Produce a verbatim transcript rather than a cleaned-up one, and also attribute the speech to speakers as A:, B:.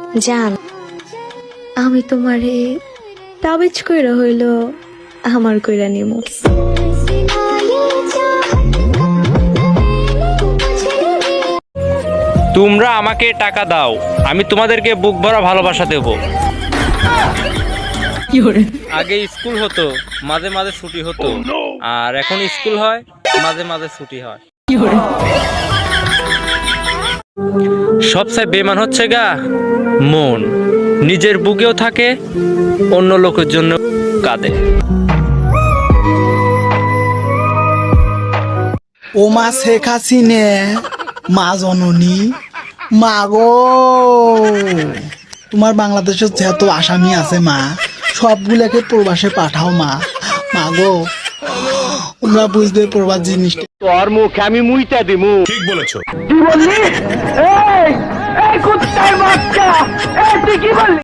A: জান, আমি তোমারে তাবিজ কইরা হইল আমার কইরা নিমু।
B: তোমরা আমাকে টাকা দাও, আমি তোমাদেরকে বুক ভরা ভালোবাসা দেব। আগে স্কুল হতো, মাঝে মাঝে ছুটি হতো, আর এখন স্কুল হয়, মাঝে মাঝে ছুটি হয়। সবচেয়ে বেমান হচ্ছে গা মন, নিজের বুকেও থাকে, অন্য লোকের জন্য কাঁদে।
C: ও মা শেখ হাসিনে, মা জননী, মা গো, তোমার বাংলাদেশের যেহেতু আসামি আছে মা, সবগুলাকে প্রবাসে পাঠাও মা। মা গো, তোমরা বুঝবে প্রবাস জিনিসটা।
D: তোর মুখে আমি মুইটা দিমু।
E: ঠিক বলেছো।
D: কি বললি? এই এই কুত্তার বাচ্চা, এই তুই কি বললি?